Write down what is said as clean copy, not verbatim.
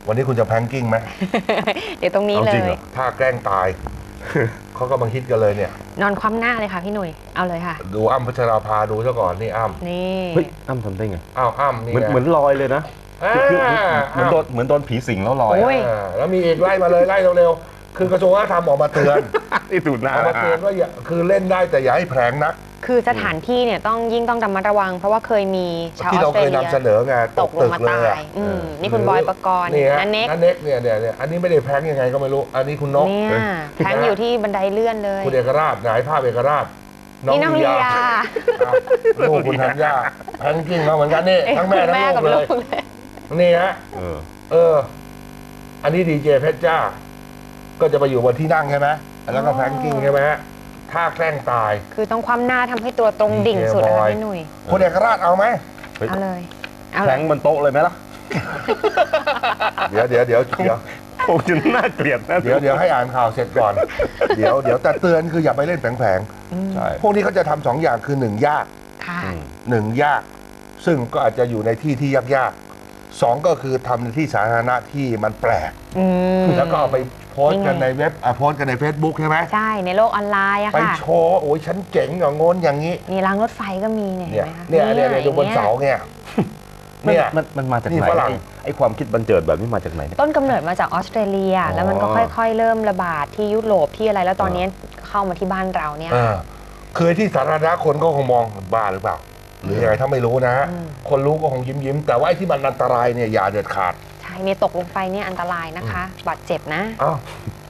วันนี้คุณจะแพงกิ้งไหมเดี๋ยวตรงนี้เลยถ้าแกล้งตาย เขาก็บังคิดกันเลยเนี่ยนอนคว่ำหน้าเลยค่ะพี่หนุ่ยเอาเลยค่ะดูอ้ำพัชราภาดูซะก่อนนี่อ้ำนี่เฮ้ยอ้ำทำได้ไงอ้าวอ้ำนี่เหมือนลอยเลยนะ คือเหมือนโดนผีสิงแล้วลอยโอ้ยแล้วมีอีกไล่มาเลยไล่เร็วๆคือกระทรวงวัฒนธรรมออกมาเตือนที่สุดนะออกมาเตือนว่าอย่าคือเล่นได้แต่อย่าให้แผลงนักคือสถานที่เนี่ยต้องระมัดระวัง เพราะว่าเคยมีชาวอที่อเราสเตรเคยเลีนำยเสนอไงตตกกลตึงกมาเลยตายนี่คุณบอยปกรณ์นี่ฮะนันเน็กนันเน็กเนี่ยอันนี้ไม่ได้แพลงยังไงก็ไม่รู้อันนี้คุณนกเนี่ยแทงอยู่ที่บันไดเลื่อนเลยคุณเอกราชไหนภาพเอกราชนี่น้องลียาครับลูกคุณธัญญาแพงกิ้งมาเหมือนกันนี่ทั้งแม่ทั้งกับลูกเลยลูกเลยนี่ฮะเอออันนี้ดีเจเพชรจ้า ก็จะไปอยู่บนที่นั่งใช่ไหมแล้วก็แพงกิ้งใช่ไหมฮะถ้าแกล้งตายคือต้องคว่ำหน้าทำให้ตัวตรงดิ่งสุดนะคะพี่หนุ่ยคุณเอกราชเอาไหมเอาเลยเอาแทเลยงบนโต๊ะเลยไหมล่ะเดี๋ยวคงจะน่าเกลียดนะเดี๋ยวให้อ่านข่าวเสร็จก่อน เดี๋ยวแต่เตือนคืออย่าไปเล่นแผลงใช่ๆพวกนี้เขาจะทำสองอย่างคือหนึ่งยากค่ะหนึ่งยาก ซึ่งก็อาจจะอยู่ในที่ที่ยากๆสองก็คือทำในที่สาธารณะที่มันแปลก แล้วก็เอาไปโพสต์กันในเว็บโพสต์กันใน Facebook ใช่ไหมใช่ในโลกออนไลน์อะไปค่ะโชว์โอ้ยฉันเจ๋งอย่างงนอย่างนี้นี่รางรถไฟก็มีเนี่ยเนี่ยเห็นไหมคะเนี่ยดูบนเสาเนี่ยมันมาจากนี่ไหนฝรั่งไอ้ความคิดบันเจิดแบบนี้มาจากไหนเนี่ยต้นกำเนิดมาจากออสเตรเลีย แล้วมันก็ค่อยๆ เริ่มระบาดที่ยุโรปที่อะไรแล้วตอนนี้เข้ามาที่บ้านเราเนี่ยคือที่สาธารณะคนก็คงมองบ้าหรือเปล่า หรือยังไงถ้าไม่รู้นะฮะ คนรู้ก็คงยิ้มแต่ว่าไอ้ที่มันอันตรายเนี่ยอย่าเด็ดขาดใช่เนี่ยตกลงไปเนี่ยอันตรายนะคะ บาดเจ็บนะอ้าว